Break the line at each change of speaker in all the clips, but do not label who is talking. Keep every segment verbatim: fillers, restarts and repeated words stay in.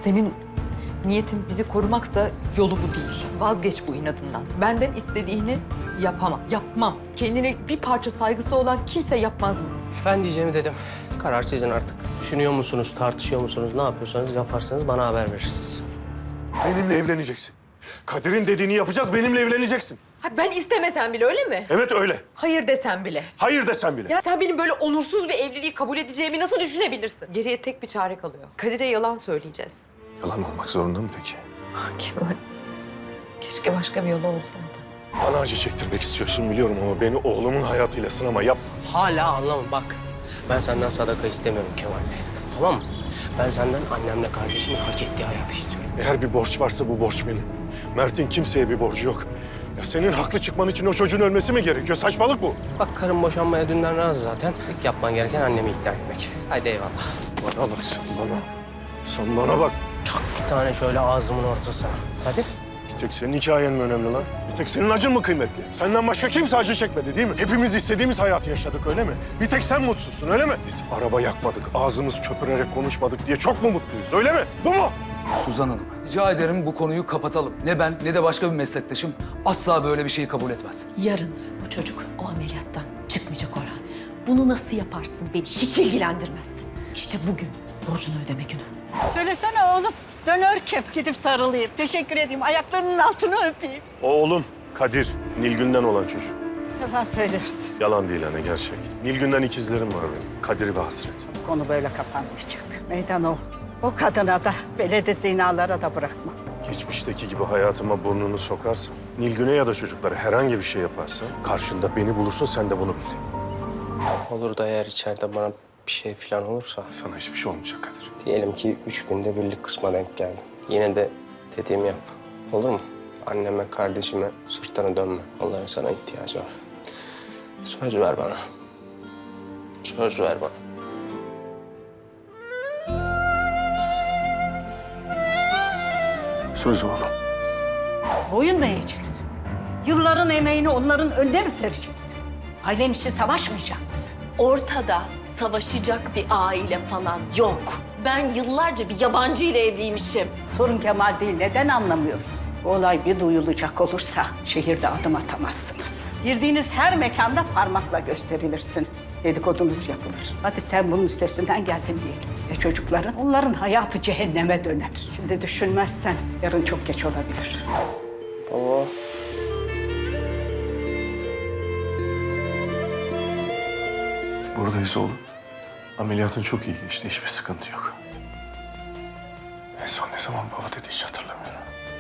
Senin niyetin bizi korumaksa yolu bu değil. Vazgeç bu inadından. Benden istediğini yapamam, yapmam. Kendine bir parça saygısı olan kimse yapmaz mı?
Ben diyeceğimi dedim. Karar sizin artık. Düşünüyor musunuz, tartışıyor musunuz, ne yapıyorsanız yaparsanız bana haber verirsiniz.
Benimle evleneceksin. Kadir'in dediğini yapacağız, benimle evleneceksin.
Ha, ben istemesem bile öyle mi?
Evet öyle.
Hayır desem bile.
Hayır desen bile.
Ya sen benim böyle onursuz bir evliliği kabul edeceğimi nasıl düşünebilirsin? Geriye tek bir çare kalıyor. Kadir'e yalan söyleyeceğiz.
Yalan olmak zorunda mı peki?
Kemal, keşke başka bir yolu olsaydı.
Bana acı çektirmek istiyorsun biliyorum ama beni oğlumun hayatıyla sınama yapma.
Hala anlamam bak. Ben senden sadaka istemiyorum Kemal Bey. Tamam mı? Ben senden annemle kardeşimin hak ettiği hayatı istiyorum.
Eğer bir borç varsa bu borç benim. Mert'in kimseye bir borcu yok. Ya senin haklı çıkman için o çocuğun ölmesi mi gerekiyor? Saçmalık bu.
Bak karım boşanmaya dünden razı zaten. İlk yapman gereken annemi ikna etmek. Haydi eyvallah.
Bana bak sen bana. Sen bana bak.
Çak bir tane şöyle ağzımın ortasına. Hadi.
Bir tek senin hikayen mi önemli lan? Bir tek senin acın mı kıymetli? Senden başka kimse acı çekmedi değil mi? Hepimiz istediğimiz hayatı yaşadık öyle mi? Bir tek sen mutsuzsun öyle mi? Biz araba yakmadık, ağzımız köpürerek konuşmadık diye çok mu mutluyuz öyle mi? Bu mu?
Suzan Hanım, rica ederim bu konuyu kapatalım. Ne ben ne de başka bir meslektaşım asla böyle bir şeyi kabul etmez.
Yarın bu çocuk o ameliyattan çıkmayacak Orhan. Bunu nasıl yaparsın beni hiç ilgilendirmez. İşte bugün borcunu ödeme günü.
Söylesene oğlum. Dönör kep gidip sarılayım. Teşekkür edeyim. Ayaklarının altını öpeyim.
Oğlum Kadir, Nilgün'den olan çocuk.
Yalan söylüyorsun.
Yalan değil hani gerçek. Nilgün'den ikizlerim var benim. Kadir ve Hasret.
Bu konu böyle kapanmayacak. Meydan o. O kadına da, velede zinalara da bırakma.
Geçmişteki gibi hayatıma burnunu sokarsan, Nilgün'e ya da çocuklara herhangi bir şey yaparsan, karşında beni bulursun sen de bunu bil.
Olur da eğer içeride bana bir şey falan olursa...
Sana hiçbir şey olmayacak Kadir.
Diyelim ki üç günde birlik kısma denk geldim. Yine de dediğimi yap. Olur mu? Anneme, kardeşime sırtını dönme. Onların sana ihtiyacı var. Söz ver bana. Söz ver bana.
Söz oğlum.
Boyun mu eğeceksin? Yılların emeğini onların önüne mi sereceksin? Ailen için savaşmayacak mısın?
Ortada savaşacak bir aile falan yok. Ben yıllarca bir yabancı ile evliymişim.
Sorun Kemal değil. Neden anlamıyoruz? Bu olay bir duyulacak olursa şehirde adım atamazsınız. Girdiğiniz her mekanda parmakla gösterilirsiniz. Dedikodunuz yapılır. Hadi sen bunun üstesinden geldin diyelim. Ve çocukların, onların hayatı cehenneme döner. Şimdi düşünmezsen yarın çok geç olabilir.
Baba.
Buradayız oğlum. Ameliyatın çok iyi geçti. Hiçbir sıkıntı yok. En son ne zaman baba dedi hiç hatırlamıyorum.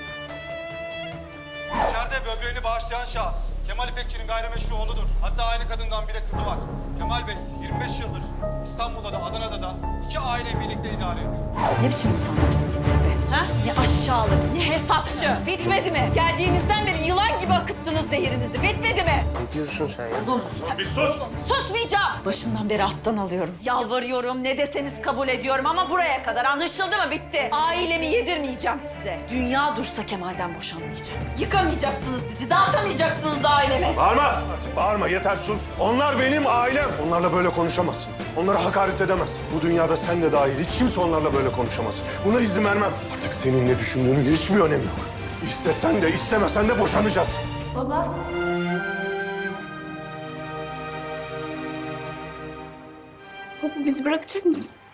İçeride böbreğini bağışlayan şahıs Kemal İpekçi'nin gayrimeşru oğludur. Hatta aynı kadından bir de kızı var. Kemal Bey yirmi beş yıldır İstanbul'da da Adana'da da iki aileyi birlikte idare ediyor.
Ne biçim insanlarsınız siz be? Ha? Ne aşağılık, ne hesapçı. Bitmedi mi? Geldiğimizden beri yılan gibi akıttınız zehirinizi. Bitmedi mi?
Ne diyorsun sen ya?
Bir sus!
Susmayacağım. Başından beri alttan alıyorum. Yalvarıyorum, ne deseniz kabul ediyorum ama buraya kadar anlaşıldı mı? Bitti. Ailemi yedirmeyeceğim size. Dünya dursa Kemal'den boşanmayacağım. Yıkamayacaksınız bizi, dağıtamayacaksınız ailemi.
Bağırma! Artık bağırma yeter sus. Onlar benim ailem. Onlarla böyle konuşamazsın. Onlara hakaret edemezsin. Bu dünyada sen de dahil hiç kimse onlarla böyle konuşamaz. Buna izin vermem. Artık senin ne düşündüğünün hiçbir önemi yok. İstesen de istemesen de boşanacağız.
Baba.
Baba bizi bırakacak mısın?